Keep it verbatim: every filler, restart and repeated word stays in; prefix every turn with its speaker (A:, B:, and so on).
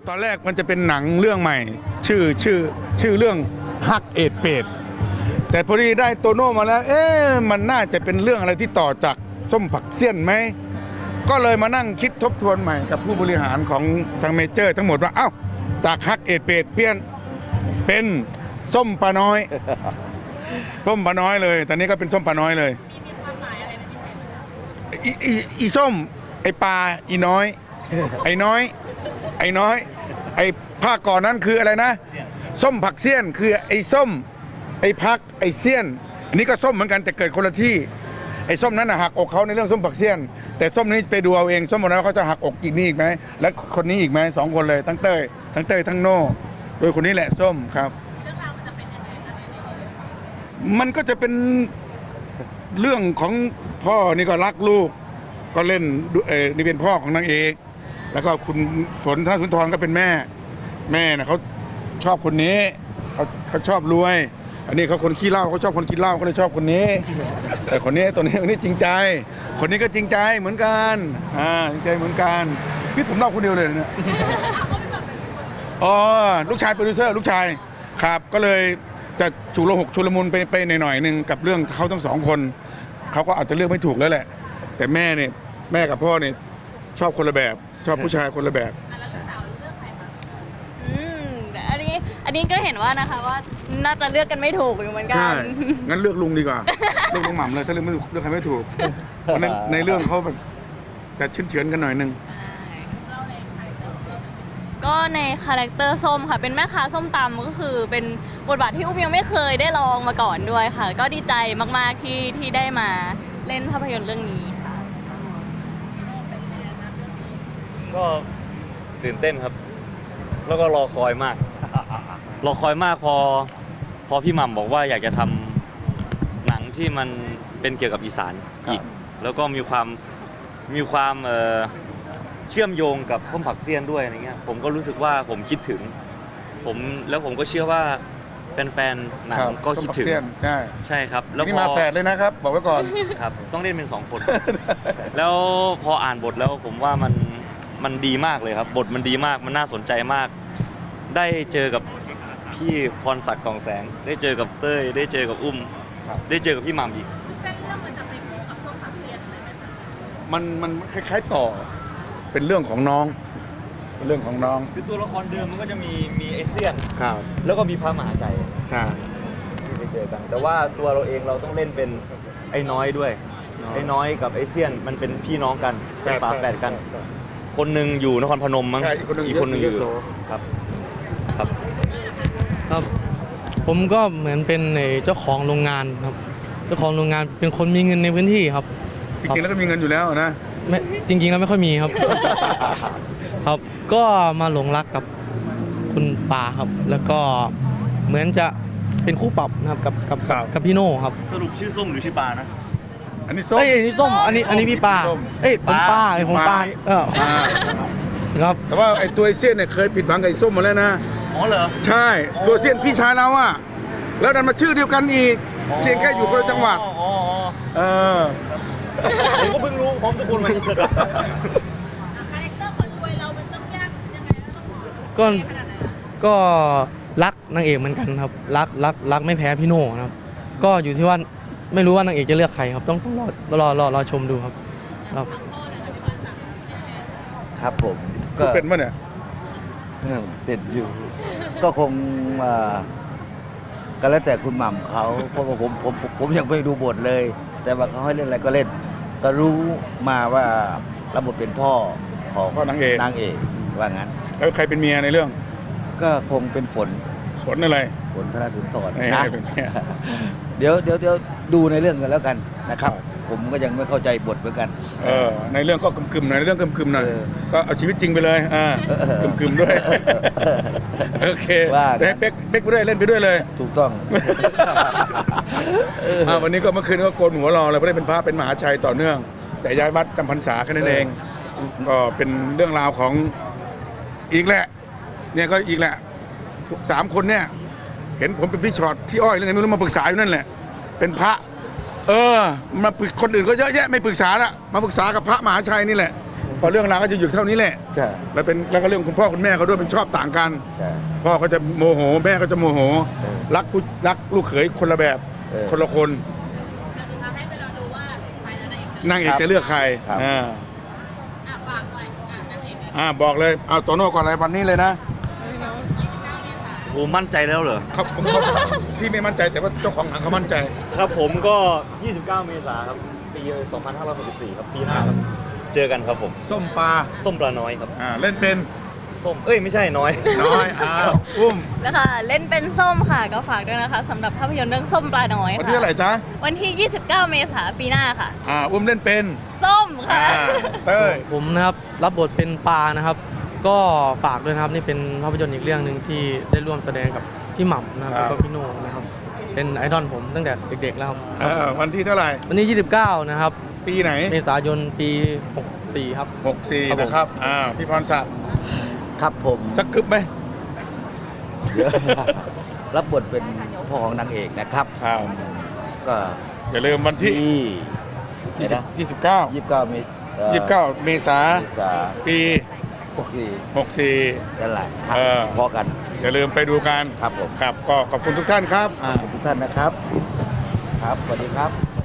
A: ตอนแรกมันจะเป็นหนังเรื่องใหม่ชื่อชื่อชื่อเรื่องฮักเอ็ดเป็ดแต่พอดีได้โตโน่มาแล้วเอ๊ะมันน่าจะเป็นเรื่องอะไรที่ต่อจากส้มผักเสี้ยนไหมก็เลยมานั่งคิดทบทวนใหม่กับผู้บริหารของทางเมเจอร์ทั้งหมดว่าเอ้าจากฮักเอ็ดเป็ดเปลี่ยนเป็นส้มปลาน้อยส้มปลาน้อยเลยตอนนี้ก็เป็นส้มปลาน้อยเลยมีความหมายอะไรเป็นพิเศษอีอีอีส้มไอปลาอีน้อยไอ้น้อยไอ้น้อยไอ้ภาคก่อนนั้นคืออะไรนะส้มผักเสี้ยนคือไอ้ส้มไอ้พักไอ้เสี้ยนอันนี้ก็ส้มเหมือนกันแต่เกิดคนละที่ไอ้ส้มนั้นหักอกเขาในเรื่องส้มผักเสี้ยนแต่ส้มนี้ไปดูเอาเองส้มคนนั้นเขาจะหักอกอีกนี่อีกไหมและคนนี้อีกไหมสองคนเลยทั้งเต้ยทั้งเต้ยทั้งโน่โดยคนนี้แหละส้มครับเรื่องราวมันจะเป็นยังไงคะมันก็จะเป็นเรื่องของพ่อนี่ก็รักลูกก็เล่นเออนี่เป็นพ่อของนางเอกแล้วก็คุณฝนธนสุนทรก็เป็นแม่แม่นะเขาชอบคนนี้เขาเขาชอบรวยอันนี้เขาคนขี้เหล้าเขาชอบคนกินเหล้าก็เลยชอบคนนี้แต่คนนี้ตัวนี้คนนี้จริงใจคนนี้ก็จริงใจเหมือนกันอ่าจริงใจเหมือนกันพี่ผมเล่าคนเดียวเลยเนี่ยอ๋อลูกชายโปรดิวเซอร์ลูกชายครับก็เลยจะฉุกละหกชุลมุนไปไปหน่อยๆหนึ่งกับเรื่องเขาทั้งสองคนเขาก็อาจจะเลือกไม่ถูกแล้วแหละแต่แม่เนี่ยแม่กับพ่อเนี่ยชอบคนละแบบชอบผู้ชายคนละแบบแล้วลูกสาวเลือกใครคะ
B: อืมอันนี้อันนี้ก็เห็นว่านะคะว่าน่าจะเลือกกันไม่ถูกอยู่เหมือนกันใช่
A: งั้นเลือกลุงดีกว่าเลือกลุงหม่ำเลยถ้าเลือกไม่ถูกเลือกใครไม่ถูกเพราะในในเรื่องเขาแบบจะเฉือนเฉือนกันหน่อยนึง
B: ก็ในคาแรคเตอร์ส้มค่ะเป็นแม่ค้าส้มตำก็คือเป็นบทบาทที่อุ้มยังไม่เคยได้ลองมาก่อนด้วยค่ะก็ดีใจมากๆที่ที่ได้มาเล่นภาพยนตร์เรื่องนี้ค่ะ
C: ก็ตื่นเต้นครับแล้วก็รอคอยมากรอคอยมากพอพอพี่หม่ำบอกว่าอยากจะทำหนังที่มันเป็นเกี่ยวกับอีสานอีกแล้วก็มีความมีความเอ่อเชื่อมโยงกับส้มผักเสี้ยนด้วยอะไรเงี้ยผมก็รู้สึกว่าผมคิดถึงผมแล้วผมก็เชื่อว่าแฟนๆหนังก็คิดถึง
A: ใช่
C: ใช่ครับ
A: แล้วนี่มาแฝดเลยนะครับบอกไว้ก่อน
C: ครับต้องเล่นเป็นสองคนแล้วพออ่านบทแล้วผมว่ามันมันดีมากเลยครับบทมันดีมากมันน่าสนใจมากได้เจอกับพี่พรศักดิ์สองแสงได้เจอกับเต้ยได้เจอกับอุ้มได้เจอกับพี่หม่ำอีก
B: เส้นเรื่องมันจะไปโผล่กับส้มผักเสี้ยนเลยไหมคะ
A: มันมันคล้ายๆต่อเป็นเรื่องของน้องเป็นเรื่องของน้อง
C: คือตัวละครเดิมมันก็จะมีมีไอเซียน
A: ครับ
C: แล้วก็มีพระมหาชัย
A: ใช่
C: ที่ไปเจอกันแต่ว่าตัวเราเองเราต้องเล่นเป็นไอ้น้อยด้วยไอ้น้อยกับไอเซียนมันเป็นพี่น้องกันเป็นฝาแฝดกันคนหนึ่งอยู่นครพนมมั้งอีกคนหนึ่งอยู่ครับครับ
D: ครับผมก็เหมือนเป็นเจ้าของโรงงานครับเจ้าของโรงงานเป็นคนมีเงินในพื้นที่ครับ
A: จริงๆแล้วก็มีเงินอยู่แล้วนะ
D: ไม่จริงๆแล้วไม่ค่อยมีครับครับก็มาหลงรักกับคุณปาครับแล้วก็เหมือนจะเป็นคู่ปรับนะครับกับกับกับพี่โน่ครับ
C: สรุปชื่อส้มหรือชื่อปานะ
A: อันนี้ส้ม
D: เอ้ยอันนี้ส้มอันนี้อันนี้พี่ปาเอ้ยผมปาไอ้ผมปาเออครับ
A: แต่ว่าไอ้ตัวเซียนเนี่ยเคยผิดหวังกับไอ้ส้มมาแล้วนะ
C: อ๋อเหรอ
A: ใช่ตัวเซียนพี่ชายเราอะแล้วดันมาชื่อเดียวกันอีกเพียงแค่อยู่คนละจังหวัด
C: อ๋อ
A: เออ
C: ผมก็เพิ่งรู้พร้อมทุกคนเลย
B: คาแรคเตอร์คนรวยเรามันต้องยากยังไง
D: ก็ก็รักนางเอกเหมือนกันครับรักรักรักไม่แพ้พี่โน่นะครับก็อยู่ที่ว่าไม่รู้ว่านางเอกจะเลือกใครครับต้องต้องรอรอรอรอชมดูครับครับ
E: ครับผม
A: ก็เป็นมั้ยเนี่ย
E: เป็นอยู่ก็คงก็แล้วแต่คุณหม่ำเขาเพราะว่าผมผมผมยังไม่ดูบทเลยแต่ว่าเขาให้เล่นอะไรก็เล่นก็รู้มาว่ารับบทเป็นพ่อของ
A: นางเอก
E: นางเอกว่างั้น
A: แล้วใครเป็นเมียในเรื่อง
E: ก็คงเป็นฝน
A: ฝนอะไร
E: ฝนธนสุนทรนะเดี๋ยวเดี๋ยวเดี๋ยวดูในเรื่องกันแล้วกันนะครับผมก็ยังไม่เข้าใจบทเหมือนกัน
A: เออในเรื่องก็กึ่มๆหน่อยในเรื่องกึ่มๆหน่อยก็เอาชีวิตจริงไปเลยอ่ากึ่มๆด้วยโอเคว่าเป๊กเป๊กไปด้วยเล่นไปด้วยเลย
E: ถูกต้อง
A: วันนี้ก็เมื่อคืนก็โกนหัวรอเลยเพราะได้เป็นพระเป็นมหาชัยต่อเนื่องแต่ย้ายวัดจำพรรษาแค่นั้นเองก็เป็นเรื่องราวของอีกแหละเนี่ยก็อีกแหละสามคนเนี่ยเห็นผมเป็นพี่ชอตพี่อ้อยเรื่องไงไม่รู้มาปรึกษาอยู่นั่นแหละเป็นพระเออมาปรึกคนอื่นก็เยอะแยะไม่ปรึกษาละมาปรึกษากับพระมหาชัยนี่แหละพอเรื่องราวก็จะหยุดเท่านี้แหละ
E: ใช่
A: แล้วเป็นแล้วก็เรื่องคุณพ่อคุณแม่เขาด้วยเป็นชอบต่างกัน
E: ใช่
A: พ่อก็จะโมโหแม่ก็จะโมโห
E: เออ
A: รักผู้รักลูกเขยคนละแบบ
E: เออ
A: คนละคนนางเอกจะเลือกใคร
E: ครับ
A: อ่าอ่าบอกเลยเอาโตโน่ก่อนเลยวันนี้เลยนะ
C: โหมั่นใจแล้วเหรอ
A: เขาผมเขาที่ไม่มั่นใจแต่ว่าเจ้าของหนังเขามั่นใจ
C: ครับผมก็ ยี่สิบเก้า เมษายนครับ ปี สองพันห้าร้อยหกสิบสี่ ครับ ปีหน้าครับ เจอกันครับผม
A: ส้มปลา
C: ส้มปลาน้อยครับ
A: อ่าเล่นเป็น
C: ส้ม เอ้ย ไม่ใช่น้อย
A: น้อยอ้าวอุ้ม
B: แล้วค่ะเล่นเป็นส้มค่ะก็ฝากด้วยนะคะสำหรับบภาพยนตร์เรื่องส้มปลาน้อย
A: วัน
B: ค่ะ
A: ที่เท่าไหร่จ๊ะ
B: วันที่ ยี่สิบเก้า เมษายนปีหน้าค่ะ
A: อ่าอุ้มเล่นเป็น
B: ส้ม
A: อ่า
B: ค่ะ
A: เต้ย
D: ผมนะครับรับบทเป็นปานะครับ ก็ฝากด้วยนะครับนี่เป็นภาพยนตร์อีกเรื่องหนึ่งที่ได้ร่วมแสดงกับพี่หม่ำนะครับ
A: ครับ
D: แล้วก็พี่โหน่งนะครับ เป็นไอดอลผมตั้งแต่เด็กๆแล้วครับ
A: เออวันที่เท่าไหร่
D: วันนี้ยี่สิบเก้านะครับ
A: ปีไหน
D: เมษายนปีหกสี่ครับ
A: หกสี่
D: ครับผม
A: นะครับอ่าพี่พรศักดิ์
E: ครับผม
A: สักกึบไหม
E: เดี๋ยว รับบทเป็นพ่อของนางเอกนะครับ
A: ครับ
E: ก็
A: อย่าลืมวันที่
E: ที่ไหนนะ
A: ยี่สิบเก้า
E: ยี่สิบเก้าเมษ
A: ยี่สิบเก้าเมษา
E: เมษา
A: ปี
E: หกสี่
A: หกสี่
E: นั่นแหละครับ
A: เออ
E: พอกัน
A: อย่าลืมไปดูกัน
E: ครับผม
A: ครับก็ขอบคุณทุกท่านครับ
E: ขอบคุณทุกท่านนะครับ ครับสวัสดีครับ